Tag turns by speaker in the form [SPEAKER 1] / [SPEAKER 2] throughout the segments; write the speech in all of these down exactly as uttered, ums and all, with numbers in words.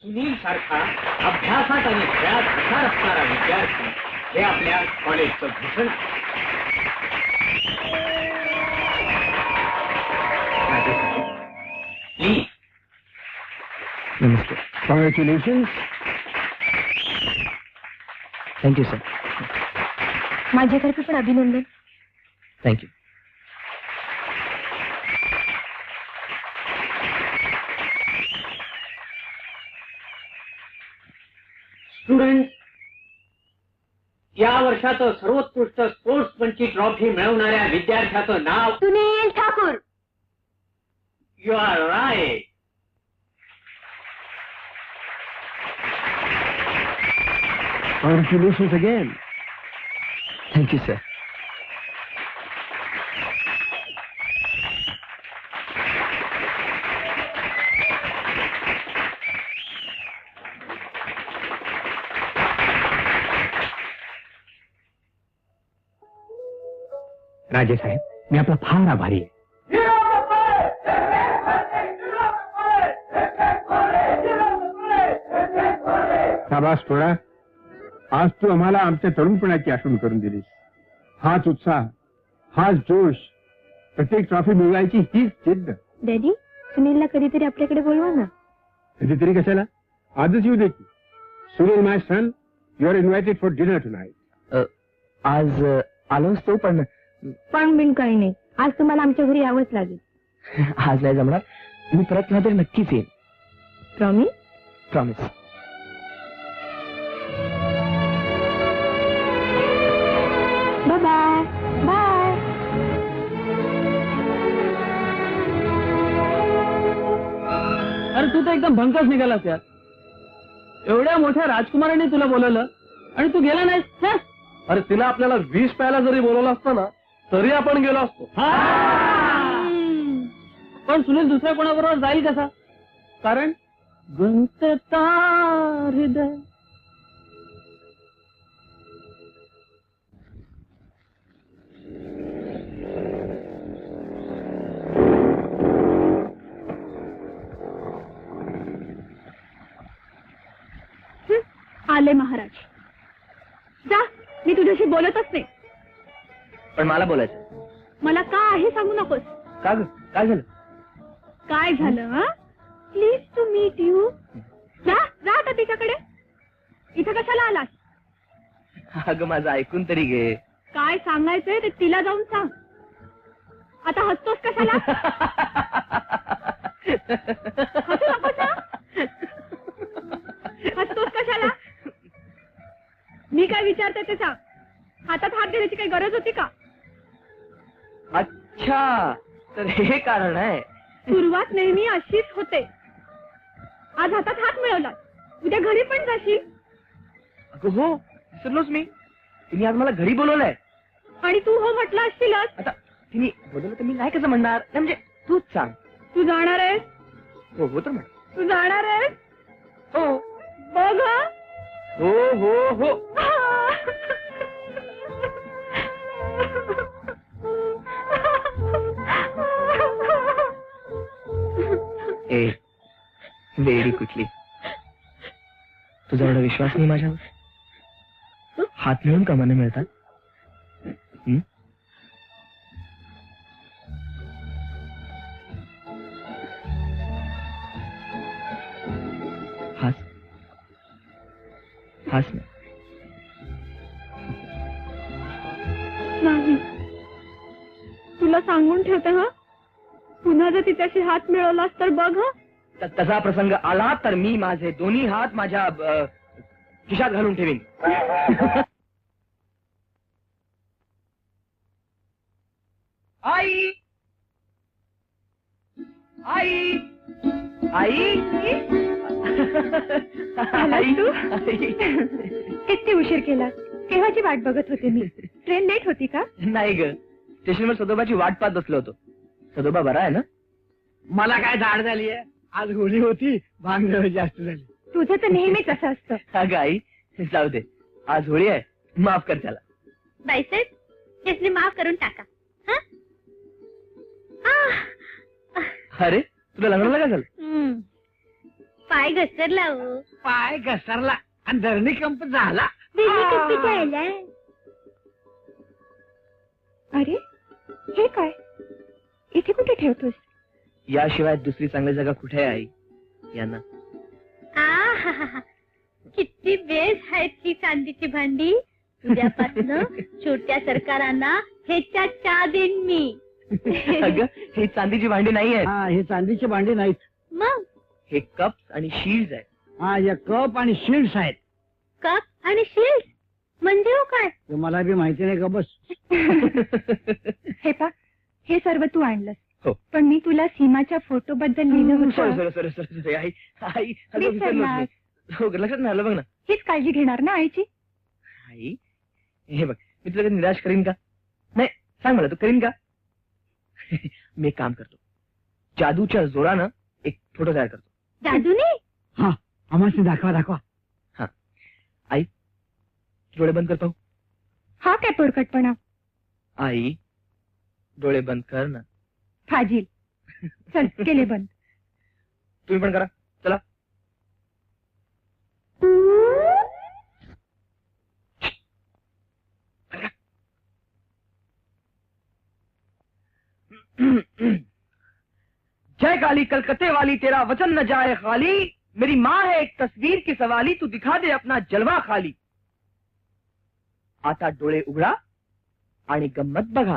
[SPEAKER 1] सुनील सारखा अभ्यासात आणि खेळात हुशार असणारा विद्यार्थी हे आपल्या कॉलेजचं भूषण आहे. प्लीज.
[SPEAKER 2] नमस्ते. कॉंग्रॅच्युलेशन. Thank you sir.
[SPEAKER 3] माझ्यातर्फे पण अभिनंदन.
[SPEAKER 2] थँक्यू.
[SPEAKER 1] स्टुडंट, या वर्षाचं सर्वोत्कृष्ट स्पोर्ट्समनची ट्रॉफी मिळवणाऱ्या विद्यार्थ्याचं नाव
[SPEAKER 3] Sunil Thakur.
[SPEAKER 1] You are right.
[SPEAKER 2] Congratulation again. Thank you sir. Raje साहेब, मी आपला फार आभारी आहे. शाबास थोडा. आज तू आम्हाला आमच्या तरुणपणाची आठवण करून दिलीस. हाच उत्साह, हाच जोश, प्रत्येक ट्रॉफी मिळवायची हीच जिद्द.
[SPEAKER 3] डॅडी, सुनीलला कधीतरी आपल्याकडे बोलवा ना.
[SPEAKER 2] कधीतरी कशाला? आजच येऊ दे की. Sunil my son, you are invited for dinner tonight. आज आलोच तो, पण
[SPEAKER 3] पण बिन काही नाही. आज तुम्हाला आमच्या घरी यावंच लागेल.
[SPEAKER 2] आज नाही जमणार. मी परत केव्हा तरी नक्कीच येईल.
[SPEAKER 3] प्रॉमिस?
[SPEAKER 2] प्रॉमिस.
[SPEAKER 3] Bye bye.
[SPEAKER 4] अरे तू तर एकदम भंकच निघालास यार. एवढ्या मोठ्या राजकुमारांनी तुला बोलवलं आणि तू गेला नाहीस.
[SPEAKER 5] अरे तिला आपल्याला वीस प्यायला जरी बोलवलं असतं ना तरी आपण गेलो असतो.
[SPEAKER 4] पण सुनील दुसऱ्या कोणाबरोबर जाईल कसा?
[SPEAKER 5] कारण
[SPEAKER 4] गुंतता हृदय.
[SPEAKER 3] आले महाराज. जा, मी तुझ्याशी बोलतच नाही.
[SPEAKER 2] पण मला बोलायचं.
[SPEAKER 3] मला का आहे सांगू नकोस.
[SPEAKER 2] का ग? काय झालं?
[SPEAKER 3] काय झालं? Please to meet you. जा जा आता तिच्याकडे. इथं कशाला आलास?
[SPEAKER 2] अगं माझं ऐकून तरी घे.
[SPEAKER 3] काय सांगायचंय ते तिला जाऊन सांग. आता हसतोस कशाला? हसू नकोस ना. हसतोस कशाला? मी काय विचारते ते सांग. हातात हात देण्याची काही गरज होती का?
[SPEAKER 2] अच्छा, तर हे कारण आहे.
[SPEAKER 3] सुरुवात नेहमी अशीच होते. आज हातात हात मिळवला, उद्या घरी पण जाशील.
[SPEAKER 2] अगं हो, विसरलोच मी. तिने आज मला घरी बोलवलंय.
[SPEAKER 3] आणि तू हो म्हटलं असशीलच.
[SPEAKER 2] आता तिने बोलवलं तर मी नाही कसं म्हणणार. म्हणजे तूच सांग.
[SPEAKER 3] तू जाणार आहेस?
[SPEAKER 2] हो हो तर म्हण.
[SPEAKER 3] तू जाणार आहेस?
[SPEAKER 2] हो
[SPEAKER 3] बघ हं.
[SPEAKER 2] हो हो हो. ए वेडी कुठली. तुझा एवढा विश्वास नाही माझ्यावर? हात मिळून कमाने मिळतात. हं? हास हास ना.
[SPEAKER 3] नाही, तुला सांगून ठेवते हा. पुन्हा जर तिच्याशी हात मिळवलास तर बघ हं.
[SPEAKER 2] तसा प्रसंग आला तर मी माझे दोन्ही हात माझ्या अ, खिशात घालून ठेवीन. आई आई आई
[SPEAKER 3] आलास तू? किती उशीर केला. केव्हाची वाट बघत होते मी. ट्रेन लेट होती का?
[SPEAKER 2] नाही ग, स्टेशनवर सदोबाची वाट पाहत बसलो होतो. सदोबा बरा आहे ना?
[SPEAKER 4] मला काय झाड झाली आहे. आज होळी होती, भांग जास्त झाली.
[SPEAKER 3] तुझं तर नेहमीच असं असतं.
[SPEAKER 2] अगं आई जाऊ दे, आज होळी आहे, माफ कर त्याला.
[SPEAKER 3] बाईसाहेब इसने माफ करून टाका. हं? आह.
[SPEAKER 2] अरे तुला लग्नाला काय झालं?
[SPEAKER 3] हं. पाय घसरला हो.
[SPEAKER 1] पाय घसरला आणि धरणी कंप झाला.
[SPEAKER 3] अरे हे काय इथे कुठे ठेवतोस?
[SPEAKER 4] याशिवाय दुसरी चांगली जागा कुठे आहे आई? यांना
[SPEAKER 3] आ किती बेस आहेत ही चांदीची भांडी. उद्यापासून छोट्या सरकारांना ह्याच्या चहा देईन मी.
[SPEAKER 4] अगं हे चांदीची भांडी नाही आहेत.
[SPEAKER 1] हा, हे चांदीचे भांडे नाहीत.
[SPEAKER 3] मग
[SPEAKER 4] हे कप्स आणि शील्ड आहेत.
[SPEAKER 1] हा, या कप आणि शिल्ड्स आहेत.
[SPEAKER 3] कप आणि शिल्ड म्हणजे हो काय?
[SPEAKER 1] ते मला बी माहिती नाही का बस.
[SPEAKER 3] हे पा हे सर्व तू आणलंस.
[SPEAKER 4] हो.
[SPEAKER 3] पण मी तुला सीमाच्या फोटो बद्दल लिहिलं
[SPEAKER 4] सॉरी
[SPEAKER 3] होतं.
[SPEAKER 4] सॉरी सॉरी सॉरी सॉरी आई आई अगं
[SPEAKER 3] विसरलास.
[SPEAKER 4] विसरलोच मी. हो लक्षात नाही आलं बघ ना.
[SPEAKER 3] हीच काळजी घेणार ना आईची?
[SPEAKER 4] आई हे बघ मी तुला कधी निराश करीन का? नाही सांग मला तू करीन का? मी एक काम करतो, जादूच्या जोरानं एक फोटो तयार करतो.
[SPEAKER 3] जादूने?
[SPEAKER 1] हा, आम्हाला दाखवा दाखवा.
[SPEAKER 4] आई डोळे बंद कर पाहू.
[SPEAKER 3] हा काय पोरकटपणा?
[SPEAKER 4] आई डोळे बंद कर ना.
[SPEAKER 3] फाजील. चल केले बंद.
[SPEAKER 4] तुम्ही पण करा चला. जय काली कलकत्ते वाली तेरा वचन न जाए खाली. मेरी माँ है एक तस्वीर की सवाली. तू दिखा दे अपना जलवा खाली. आता डोळे उघडा आणि गंमत बघा.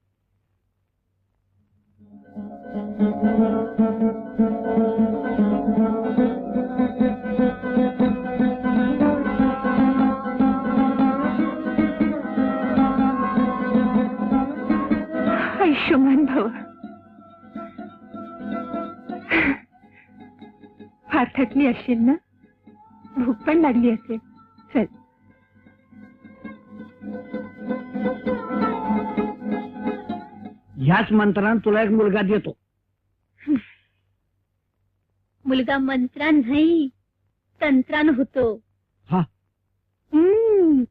[SPEAKER 3] आयुष्यमान भाऊ. फार थकली असशील ना? भूक पण लागली असेल. चल
[SPEAKER 1] ह्याच मंत्रानं तुला एक मुलगा देतो.
[SPEAKER 3] मुलगा मंत्रान नाही तंत्रान होतो.
[SPEAKER 1] हा.
[SPEAKER 3] हम्म.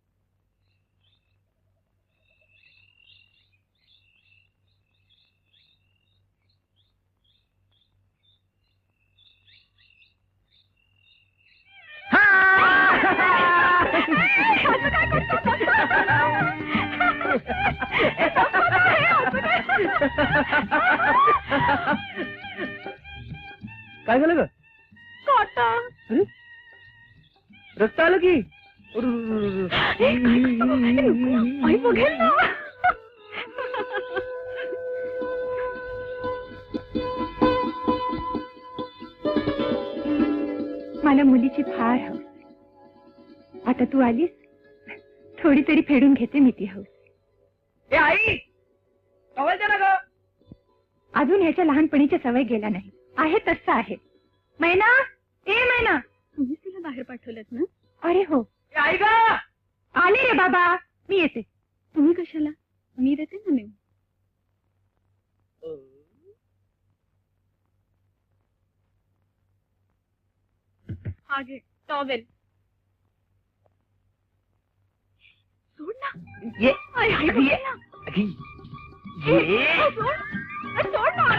[SPEAKER 4] काय झालं ग?
[SPEAKER 3] काटा.
[SPEAKER 4] अरे रक्त आलं की.
[SPEAKER 3] आई बघेल ना. मला मुलीची फार हौस. आता तू आलीस थोडी तरी फेडून घेते मी ती हौस.
[SPEAKER 4] ए आई टॉवेल दे ना ग.
[SPEAKER 3] अजून ह्याच्या लहानपणीच्या सवय गेला नाही. आहे तसं आहे. मैना ए मैना. तुम्हीच तिला बाहेर पाठवलं ना? अरे हो.
[SPEAKER 4] ए आई ग.
[SPEAKER 3] आले रे बाबा. मी येते. तुम्ही कशाला? मी देते ना नेऊ. हा घे टॉवेल. सोड ना.
[SPEAKER 4] ये
[SPEAKER 3] आई, आई,
[SPEAKER 4] ये
[SPEAKER 3] ना.
[SPEAKER 4] अगी,
[SPEAKER 3] ए,
[SPEAKER 4] ये
[SPEAKER 3] सोड. ए, सोड ना.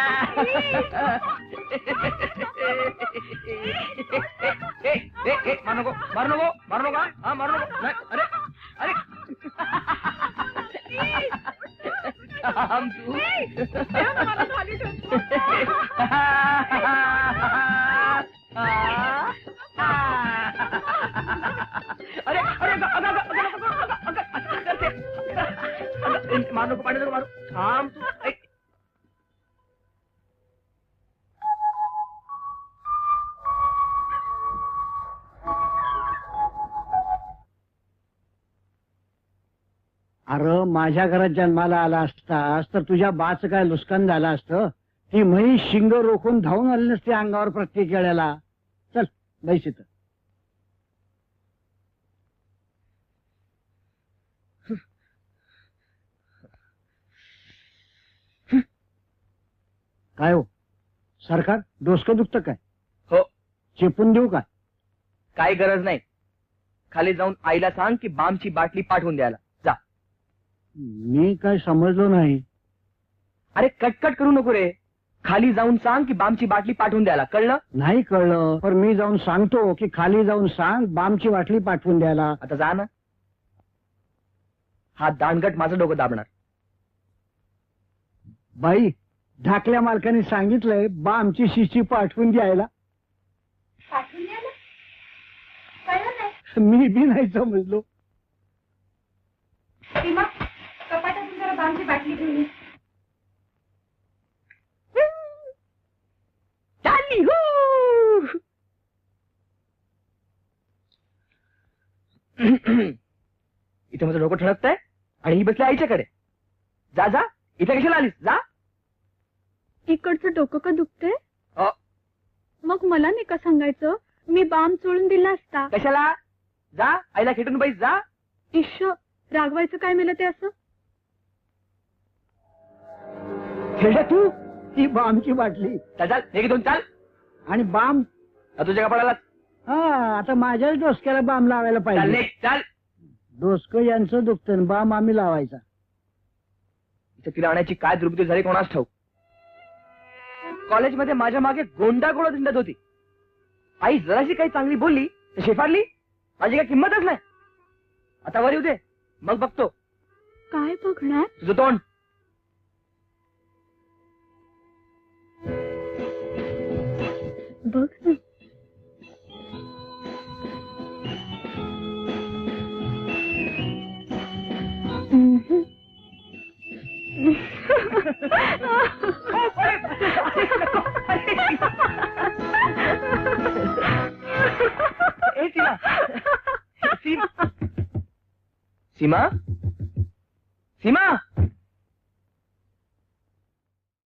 [SPEAKER 4] ए, ए, ए, मारू नको मारू नको मारू नको हा मारू नको नाही, अरे अरे थांब तू. अरे अरे अगं, अगं, अगं, अगं, अगं, अगं, अगं, असं करते. अगं, मारू नको पाणी नको मारू. थांब तू. ऐक.
[SPEAKER 1] अरे माझ्या घरात जन्माला आला असतास तर तुझ्या बाचं काय नुकसान झालं असतं. ती म्हैस शिंग रोखून धावून आली नसते अंगावर प्रत्येक वेळेला. चल बैस इथं. काय हो सरकार डोसकं दुखतं काय?
[SPEAKER 4] हो
[SPEAKER 1] चेपून देऊ का?
[SPEAKER 4] काही गरज नाही. खाली जाऊन आईला सांग की बामची बाटली पाठवून द्यायला जा.
[SPEAKER 1] मी काय समजलो नाही.
[SPEAKER 4] अरे कटकट करू नको रे. खाली जाऊन सांग की बामची बाटली पाठवून द्यायला, कळलं?
[SPEAKER 1] नाही कळलं, पण मी जाऊन सांगतो की खाली जाऊन सांग बामची बाटली पाठवून द्यायला.
[SPEAKER 4] आता जा ना. हा दांडगट माझं डोकं दाबणार.
[SPEAKER 1] बाई, ढाकल्या मालकाने सांगितलंय बामची शिशी पाठवून द्यायला.
[SPEAKER 3] पाठवून द्यायला कळलं नाही.
[SPEAKER 1] मी बी नाही समजलो.
[SPEAKER 3] सीमा, कपाटातून जरा बामची बाटली घेऊन ये.
[SPEAKER 4] चालली हो. इथे माझं डोकं ठणकतंय आणि ही बसली आईच्याकडे. जा जा, इथे कशाला आलीस? जा.
[SPEAKER 3] इकडचं डोकं का दुखतंय?
[SPEAKER 4] अ,
[SPEAKER 3] मग मला नाही का सांगायचं? मी बाम चोळून दिला असता.
[SPEAKER 4] कशाला? जा, आईला खेटून बैस. जा.
[SPEAKER 3] इश्श, रागवायचं काय मिळलं ते असं?
[SPEAKER 1] खेळ तू ती बामची बाटली
[SPEAKER 4] चाल चाल, हे घे दोन, चाल.
[SPEAKER 1] आणि बाम.
[SPEAKER 4] आ, तुझ्या कपाळाला
[SPEAKER 1] हा, आता माझ्याच डोसक्याला बाम लावायला
[SPEAKER 4] चाल.
[SPEAKER 1] पाहिजे.
[SPEAKER 4] निघ, चाल.
[SPEAKER 1] डोसकं यांचं दुखतं, बाम आम्ही लावायचा.
[SPEAKER 4] इथे तिला आणायची काय दुर्बुद्धी झाली कोणास ठाऊक. कॉलेजमध्ये माझ्या मागे गोंडा गोळा हिंडत होती. आई जराशी काही चांगली बोलली तर शेफारली. माझी काही किंमतच नाही. आता वर येऊ दे, मग बघतो.
[SPEAKER 3] काय बघणार?
[SPEAKER 4] तुझं तोंड.
[SPEAKER 3] बघ ना. हम्म.
[SPEAKER 4] ए, सीमा. सीमा. सीमा